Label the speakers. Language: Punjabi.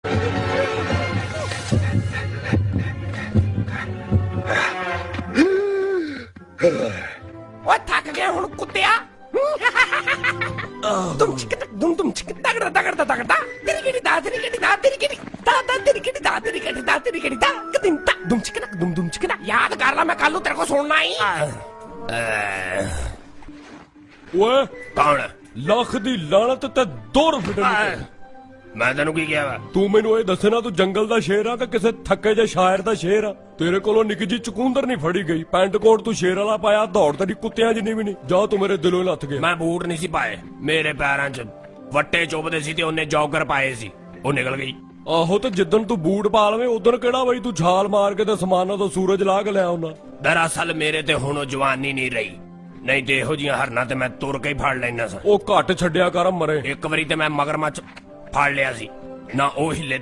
Speaker 1: ਓਏ ਥੱਕ ਗਿਆ ਹੁਣ ਕੁੱਤਿਆ। ਤੁਮ ਚਿਕ ਤੁਮ ਚਿਕ ਤਗੜਾ ਤਗੜਾ ਤਗੜਾ ਤੇਰੀ ਕਿਹੜੀ ਦਾ ਤੇਰੀ ਕਿਹੜੀ ਦਾ ਤੇਰੀ ਕਿਹੜੀ ਦਾ ਤੇਰੀ ਕਿਹੜੀ ਦਾ ਤੇਰੀ ਕਿਹੜੀ ਦਾ ਤੇਰੀ ਕਿਹੜੀ ਦਾ ਕਦਿੰ ਤਾ ਦੁਮ ਚਿਕ ਦੁਮ ਚਿਕ ਯਾਦ ਕਰ ਲੈ ਮੈਂ ਕੱਲ ਨੂੰ ਤੇਰੇ ਕੋ ਸੁਣਨਾ ਹੀ।
Speaker 2: ਓਏ
Speaker 1: ਕੌਣ
Speaker 2: ਲੱਖ ਦੀ ਲਾਣਤ ਤੇ ਦੌੜ ਫਿੱਟਣ।
Speaker 1: ਮੈਂ ਤੈਨੂੰ ਕੀ ਕਿਹਾ ਵਾ?
Speaker 2: ਤੂੰ ਮੈਨੂੰ ਇਹ ਦੱਸਣਾ ਤੂੰ ਜੰਗਲ ਦਾ ਸ਼ੇਰ ਆ ਕਿ ਕਿਸੇ ਥੱਕੇ ਜਿਹੇ ਸ਼ਾਇਰ ਦਾ ਸ਼ੇਰ ਆ? ਤੇਰੇ ਕੋਲੋਂ ਨਿੱਕੀ ਜੀ ਚਕੂੰਦਰ ਨਹੀਂ ਫੜੀ ਗਈ, ਪੈਂਟ ਕੋਟ ਤੂੰ ਸ਼ੇਰ ਵਾਲਾ ਪਾਇਆ, ਦੌੜ ਤੇਰੀ ਕੁੱਤਿਆਂ ਜਿੰਨੀ ਵੀ ਨਹੀਂ। ਜਾ ਤੂੰ ਮੇਰੇ ਦਿਲੋਂ ਲੱਥ ਗਿਆ।
Speaker 1: ਮੈਂ ਬੂਟ ਨਹੀਂ ਸੀ ਪਾਏ, ਮੇਰੇ ਪੈਰਾਂ 'ਚ ਵੱਟੇ ਚੁੱਭਦੇ ਸੀ ਤੇ ਉਹਨੇ ਜੌਗਰ ਪਾਏ ਸੀ, ਉਹ ਨਿਕਲ ਗਈ।
Speaker 2: ਆਹੋ ਤੇ ਜਿੱਦਣ ਤੂੰ ਬੂਟ ਪਾ ਲਵੇਂ ਉਦੋਂ ਕਿਹੜਾ ਬਈ ਤੂੰ ਛਾਲ ਮਾਰ ਕੇ ਤੇ ਸਮਾਨਾਂ ਤੋਂ ਸੂਰਜ ਲਾ ਕੇ ਲਿਆ ਉਹਨਾਂ।
Speaker 1: ਦਰਅਸਲ ਮੇਰੇ ਤੇ ਹੁਣ ਉਹ ਜਵਾਨੀ ਨਹੀਂ ਰਹੀ, ਨਹੀਂ ਤੇ ਇਹੋ ਜੀਆਂ ਹਰਨਾਂ ਤੇ ਮੈਂ ਤੁਰ ਕੇ ਹੀ ਫੜ ਲੈਣਾ ਸਾਂ।
Speaker 2: ਉਹ ਘੱਟ ਛੱਡਿਆ ਕਰ ਮਰੇ।
Speaker 1: ਇੱਕ ਵਾਰੀ ਤੇ ਮੈਂ ਮਗਰਮੱਛ ਫੜ ਲਿਆ ਸੀ, ਨਾ ਉਹ ਹਿੱਲੇ